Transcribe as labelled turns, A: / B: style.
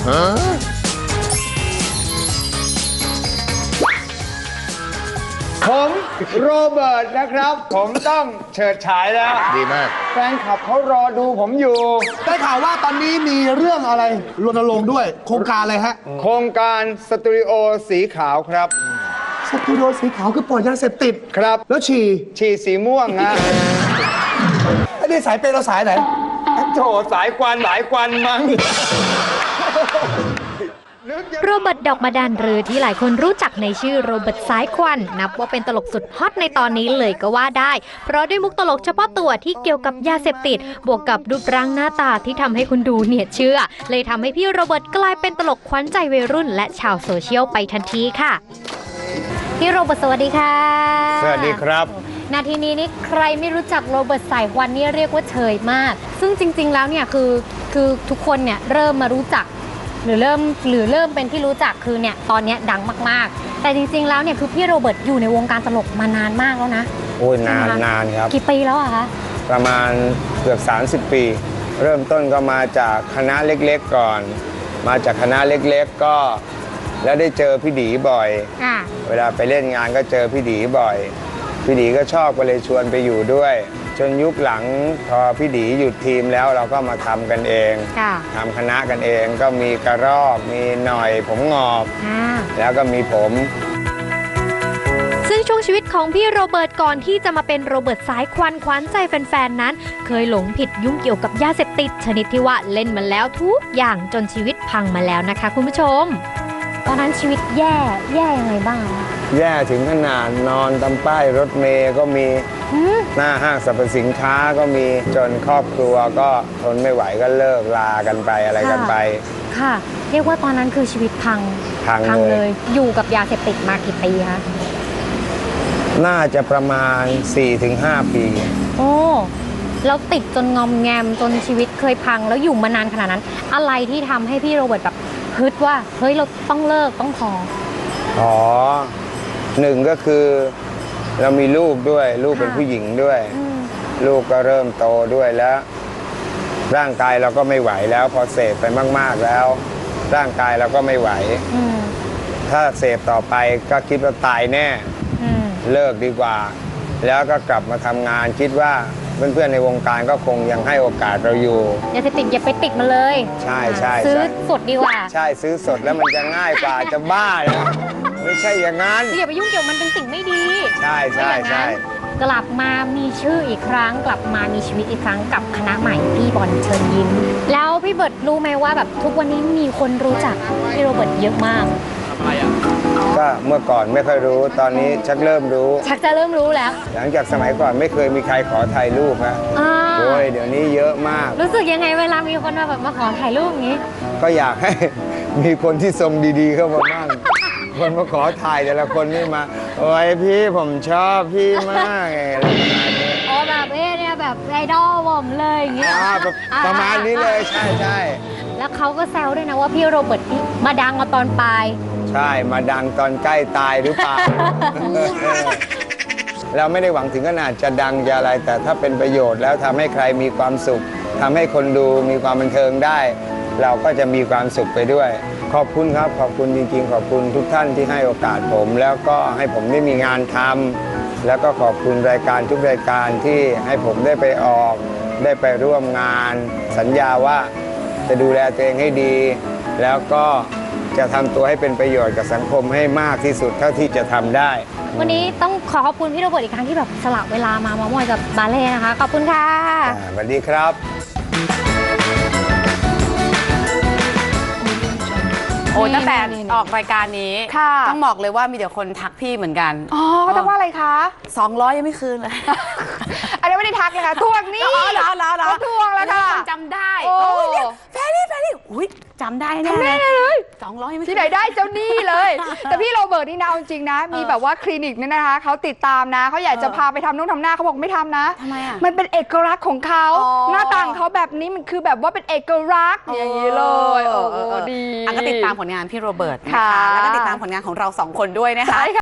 A: ผมโรเบิร์ตนะครับผมต้องเฉิดฉายแล้ว
B: ดีมาก
A: แฟนคลับเขารอดูผมอยู่
C: ได้ข่าวว่าตอนนี้มีเรื่องอะไรรณรงค์ด้วยโครงการอะไรฮะ
A: โครงการสตูดิโอสีขาวครับ
C: สตูดิโอสีขาวคือปล่อยยาเสพติด
A: ครับ
C: แล้ว
A: ฉี่สีม่วงนะ
C: ไอ้นี่สายเป็นเราสายไหน
A: โถสายควันหลายควันมั้ง
D: โรเบิร์ตดอกมาดานหรือที่หลายคนรู้จักในชื่อโรเบิร์ตสายควันนับว่าเป็นตลกสุดฮอตในตอนนี้เลยก็ว่าได้เพราะด้วยมุกตลกเฉพาะตัวที่เกี่ยวกับยาเสพติดบวกกับรูปร่างหน้าตาที่ทำให้คุณดูเนี่ยเชื่อเลยทำให้พี่โรเบิร์ตกลายเป็นตลกขวัญใจวัยรุ่นและชาวโซเชียลไปทันทีค่ะพี่โรเบิร์ตสวัสดีค่ะ
A: สวัสดีครับ
D: นาทีนี้นี่ใครไม่รู้จักโรเบิร์ตสายควันนี่เรียกว่าเฉยมากซึ่งจริงๆแล้วเนี่ยคือทุกคนเนี่ยเริ่มมารู้จักหรือเริ่มเป็นที่รู้จักคือเนี่ยตอนนี้ดังมากๆแต่จริงๆแล้วเนี่ยคือพี่โรเบิร์ตอยู่ในวงการตลกมานานมากแล้วนะ
A: โอ้ยนานครับ
D: กี่ปีแล้วอะคะ
A: ประมาณเกือบ30 ปีเริ่มต้นก็มาจากคณะเล็กๆก่อนมาจากคณะเล็กๆก็แล้วได้เจอพี่ดีบ่อยเวลาไปเล่นงานก็เจอพี่ดีบ่อยพี่ดีก็ชอบก็เลยชวนไปอยู่ด้วยจนยุคหลังพอพี่ดีหยุดทีมแล้วเราก็มาทำกันเองทำคณะกันเองก็มีกระรอกมีหน่อยผมงอบแล้วก็มีผม
D: ซึ่งช่วงชีวิตของพี่โรเบิร์ตก่อนที่จะมาเป็นโรเบิร์ตสายควันขวัญใจแฟนๆนั้นเคยหลงผิดยุ่งเกี่ยวกับยาเสพติดชนิดที่ว่าเล่นมาแล้วทุกอย่างจนชีวิตพังมาแล้วนะคะคุณผู้ชมตอนนั้นชีวิตแย่ยังไงบ้าง
A: แย่ถึงขนาดนอนตามป้ายรถเมล์ก็มีหน้าห้างสรรพสินค้าก็มีจนครอบครัวก็ทนไม่ไหวก็เลิกลากันไปอะไรกันไป
D: ค่ะเรียกว่าตอนนั้นคือชีวิตพังเลยอยู่กับยาเสพติดมากี่ปีคะ
A: น่าจะประมาณ 4-5 ปี
D: โอ้แล้วติดจนงอมแงมจนชีวิตเคยพังแล้วอยู่มานานขนาดนั้นอะไรที่ทำให้พี่โรเบิร์ตแบบฮึดว่าเฮ้ยเราต้องเลิกต้องพอ
A: หนึ่งก็คือเรามีลูกด้วยลูกเป็นผู้หญิงด้วยลูกก็เริ่มโตด้วยแล้วร่างกายเราก็ไม่ไหวแล้วพอเสพไปมากๆแล้วร่างกายเราก็ไม่ไหวถ้าเสพต่อไปก็คิดว่าตายแน่เลิกดีกว่าแล้วก็กลับมาทำงานคิดว่าเพื่อนๆในวงการก็คงยังให้โอกาสเราอยู่
D: อย่าไปติดมาเลย
A: ใช่
D: ซื้อสดดีกว่า
A: ใช่ซื้อสดแล้วมันจะง่ายกว่าจะบ้านะไม่ใช่อย่างนั้น
D: อย่าไปยุ่งเกี่ยวมันเป็นสิ่งไม่ดี
A: ใช่
D: กลับมามีชื่ออีกครั้งกลับมามีชีวิตอีกครั้งกับคณะใหม่พี่บอลเชิญยิ้มแล้วพี่เบิร์ตรู้ไหมว่าแบบทุกวันนี้มีคนรู้จักพี่โรเบิร์ตเยอะมาก
A: ก็เมื่อก่อนไม่ค่อยรู้ตอนนี้ชักจะเริ่มรู้
D: แล้ว
A: หลังจากสมัยก่อนไม่เคยมีใครขอถ่ายรูปนะโอ้ยเดี๋ยวนี้เยอะมาก
D: รู้สึกยังไงเวลามีคนมาขอถ่ายรูปอย่างนี้
A: ก็อยากให้มีคนที่ทรงดีๆเข้ามาบ้างคนมาขอถ่ายแต่ละคนนี่มาโอ้ยพี่ผมชอบพี่มากอะไรประมาณนี้
D: แบบเนี่ยแบบไอดอลผมเลยอย่างเงี้ย
A: ประมาณนี้เลยใช่
D: แล้วเขาก็แซวด้วยนะว่าพี่โรเบิร์ตมาดังมาตอนปลาย
A: ใช่มาดังตอนใกล้ตายหรือเปล่า เราไม่ได้หวังถึงขนาดจะดังจะอะไรแต่ถ้าเป็นประโยชน์แล้วทำให้ใครมีความสุขทำให้คนดูมีความบันเทิงได้เราก็จะมีความสุขไปด้วยขอบคุณครับขอบคุณจริงๆขอบคุณทุกท่านที่ให้โอกาสผมแล้วก็ให้ผมได้มีงานทำแล้วก็ขอบคุณรายการทุกรายการที่ให้ผมได้ไปออกได้ไปร่วมงานสัญญาว่าจะดูแลตัวเองให้ดีแล้วก็จะทำตัวให้เป็นประโยชน์กับสังคมให้มากที่สุดเท่าที่จะทำได้
D: วันนี้ต้องขอบคุณพี่โรเบิร์ตอีกครั้งที่แบบสละเวลามามอยกับบาเล่นะคะขอบคุณค่ะ
A: สวัสดีครับ
E: โอ้ตั้งแต่ออกรายการนี้ต้องบอกเลยว่ามีเดี๋ยวคนทักพี่เหมือนกัน
F: อ๋อเขาทักว่าอะไรคะ
E: 200ยังไม่คืนเลย
F: อันนี้ไม่ได้ทักเลยค่ะทวงนี่
E: แล้ว
F: ทวงแล้วค่ะ
E: จำได้โอ้ยแฟรี่อุ้ยจำได้แน่
F: เลย
E: 200ยังไม่
F: ที่ไหนได้เจ้านี่เลยแต่พี่โรเบิร์ตนี่นะจริงนะมีแบบว่าคลินิกนี่นะคะเขาติดตามนะเขาอยากจะพาไปทำนู่นทำหน้าเขาบอกไม่ทำนะ
E: ทำไมอ่ะ
F: มันเป็นเอกลักษณ์ของเขาหน้าต่างเขาแบบนี้มันคือแบบว่าเป็นเอกลักษณ์อย่างนี้เลย
E: ดีก็ติดตามผลงานพี่โรเบิร์ตนะคะแล้วก็ติดตามผลงานของเรา2 คนด้วยนะคะ